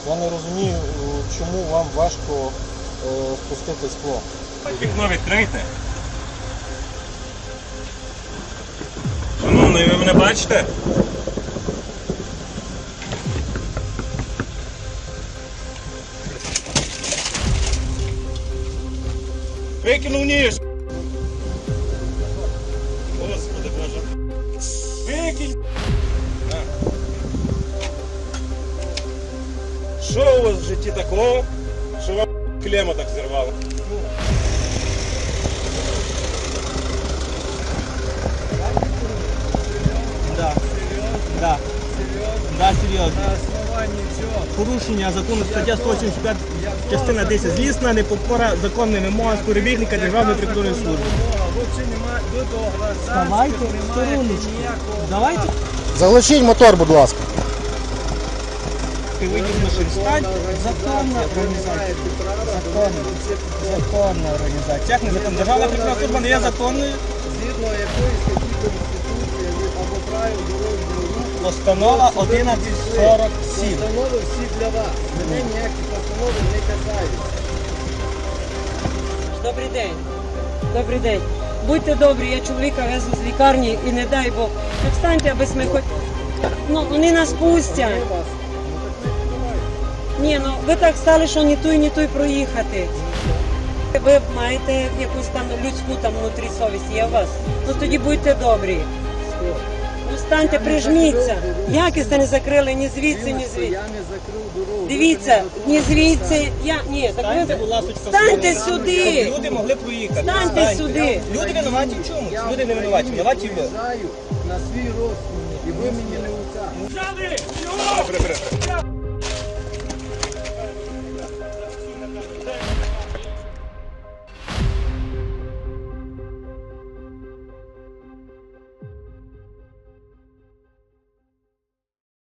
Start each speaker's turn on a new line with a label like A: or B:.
A: Я не розумію, чому вам важко спустити скло.
B: Вікно відкрийте. Шановний, ви мене бачите? Викинув ніж! Господи Боже! Викинь! Що у вас в житті такого, що вам клема так зірвало?
C: Да. Да. Да, серйозно.
D: На основании чего?
C: Порушення закону стаття 185, частина 10. Злісна непокора законним вимогам співробітника Державної прикордонної служби. Давайте в стороночку. Давайте.
A: Заглушіть мотор, будь ласка.
C: Ти вийдеш на шерстань. Законна організація. Законна організація. Як не законна? Державна прикордонна служба не є законною.
D: Згідно якої статті Конституції або правил дорожнього руху.
C: Постанова 1147.
D: Постанови всі для вас. Мене ніякі постанови не касаються.
E: Добрий день. Добрий день. Будьте добрі, я чоловіка везу з лікарні і не дай Бог. Так встаньте, аби ми хоч... Ну, вони нас пустять. Ні, ну ви так стали, що ні той проїхати. Ви маєте якусь там людську там внутрі совість, є у вас? Ну тоді будьте добрі. Ну станьте, прижміться. Якість не закрили ні звідси, ні звідси.
D: Я не закрив дорогу.
E: Дивіться, ні звідси, ні, так
C: Станьте,
E: ви...
C: будь ласка,
E: Станьте
C: щоб
E: сюди!
C: люди могли проїхати.
E: Станьте сюди!
C: Люди винуваті в чому?
D: Я
C: Люди не винуваті. Винуваті ви.
D: приїжджаю на свій розсуд, і ви мені не уця.
B: Прибери.